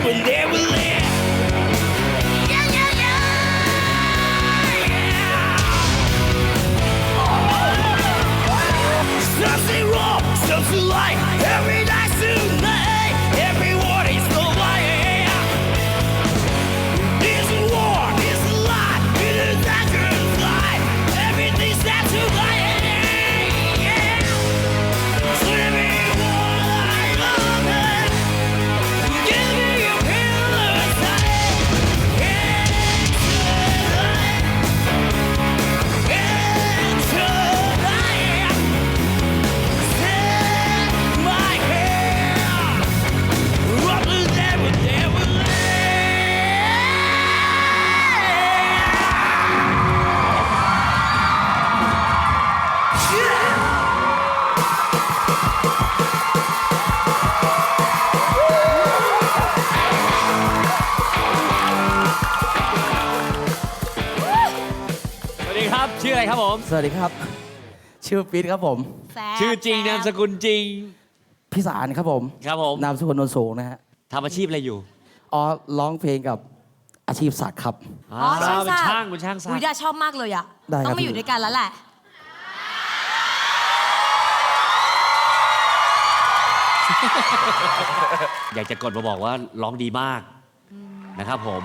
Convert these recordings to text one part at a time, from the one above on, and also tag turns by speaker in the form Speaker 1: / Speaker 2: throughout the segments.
Speaker 1: will never let. Yeah, yeah, yeah, yeah. Something wrong, something right. Every night tonight, everyone is so lying. This is war, this is lie, it is dangerous lie. Everything's set to lie.
Speaker 2: ชื่ออะไรครับผม
Speaker 3: สวัสดีครับ ชื่อปิ๊ดครับผม
Speaker 2: ชื่อจริงนามสกุลจริง
Speaker 3: พิสารครับผม
Speaker 2: ครับผม
Speaker 3: นามสกุลโนนสูงนะฮะ
Speaker 2: ทำอาชีพอะไรอยู่
Speaker 3: อ๋อร้องเพลงกับอาชีพสักดิ์ครับ
Speaker 2: อ๋อเป็นช่างเป็นช่างสัก
Speaker 4: อุ้ยดาชอบมากเลยอ่ะ
Speaker 3: ได้ครับ
Speaker 4: ต้องมาอยู่ด้วยกันแล้วแหละ
Speaker 2: อยากจะกดมาบอกว่าร้องดีมากนะครับผม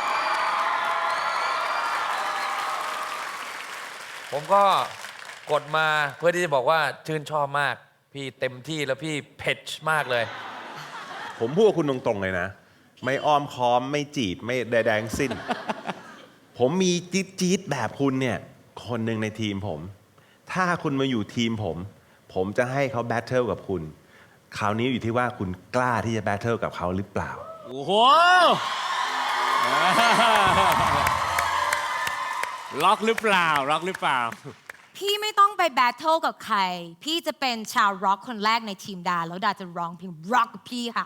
Speaker 5: ผมก็กดมาเพื่อที่จะบอกว่าชื่นชอบมาก พี่เต็มที่แล้วพี่เผ็ดมากเลย
Speaker 6: ผมพูดกับคุณตรงๆเลยนะ ไม่อ้อมค้อมไม่จีบไม่ใดๆทั้งสิ้น ผมมีจี๊ดๆแบบคุณเนี่ยคนหนึ่งในทีมผม ถ้าคุณมาอยู่ทีมผมจะให้เขาแบทเทิลกับคุณ คราวนี้อยู่ที่ว่าคุณกล้าที่จะแบทเทิลกับเขาหรือเปล่า
Speaker 2: โอ้โห ล็อกหรือเปล่า ล็อกหรือเปล่า
Speaker 4: พี่ไม่ต้องไปแบทเทิลกับใคร พี่จะเป็นชาวร็อกคนแรกในทีมดา แล้วดาจะร้องเพลงร็อกกับพี่ค่ะ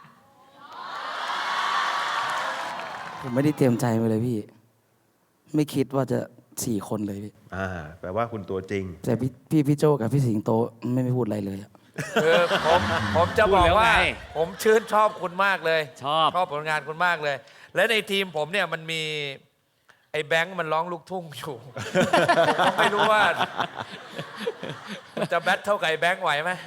Speaker 3: ผมไม่ได้เตรียมใจมาเลยพี่ ไม่คิดว่าจะ4 คนเลยพี่
Speaker 6: แปลว่าคุณตัวจริง
Speaker 3: แต่พี่โจกับพี่สิงโตไม่พูดอะไรเลยอะ
Speaker 5: คือผมจะบอกว่า
Speaker 2: พูดแล้วไง
Speaker 5: ผมชื่นชอบคุณมากเลย
Speaker 2: ชอบ
Speaker 5: ผลงานคุณมากเลย และในทีมผมเนี่ยมันมีไอ้แบงค์มันร้องลูกทุ่งอยู่ ผมก็ไม่รู้ว่าจะแบทเท่ากับไอ้แบงค์ไหวไหม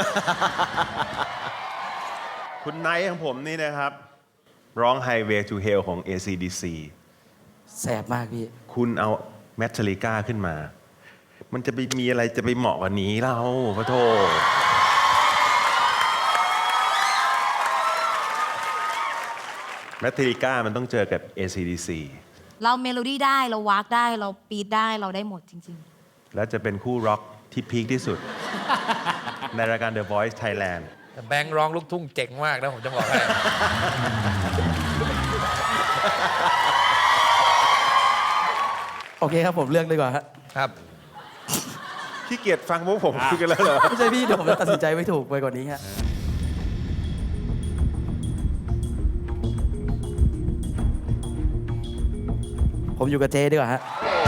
Speaker 6: คุณไนท์ของผมนี่นะครับ ร้อง Highway to Hell ของ AC/DC
Speaker 3: แสบมากพี่
Speaker 6: คุณเอาแมทลิก้าขึ้นมา มันจะไปมีอะไรจะไปเหมาะกว่านี้เล่าพระโทแมทลิก้ามันต้องเจอกับ AC/DC
Speaker 4: เราเมโลดี้ได้ เราวากได้ เราปีดได้ เราได้หมดจริง
Speaker 6: แล้วจะเป็นคู่ร็อกที่พีคที่สุด ในรายการ The Voice Thailand
Speaker 5: แต่แบงค์ร้องลูกทุ่งเจ๋งมากนะผมจะบอกให้
Speaker 3: โอเคครับผมเลือกดีกว่าฮะ
Speaker 5: ครับ
Speaker 6: ขี้เกียจฟังพวกผมคุยกันแล้วเหรอ
Speaker 3: ไม่ใช่พี่เดี๋ยวผมจะตัดสินใจไม่ถูกไปกว่านี้ฮะผมอยู่กับเจดีกว่าฮะ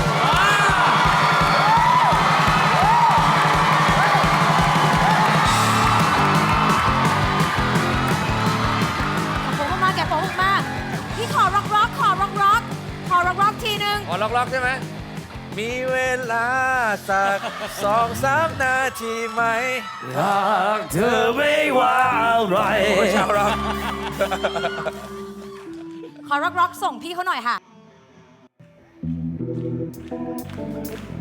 Speaker 4: ๆผมมาแกะผมมาพี่ขอร็อกร็อกขอร็อกร็อกขอร็อกร็อกทีนึง
Speaker 5: ขอล็อกๆใช่ไหม มีเวลาสัก2-3 นาทีไหม
Speaker 3: รักเธอไม่ว่าอะไร
Speaker 5: โอ้ชาวร็อก
Speaker 4: ขอร็อกร็อกส่งพี่เขาหน่อยค่ะ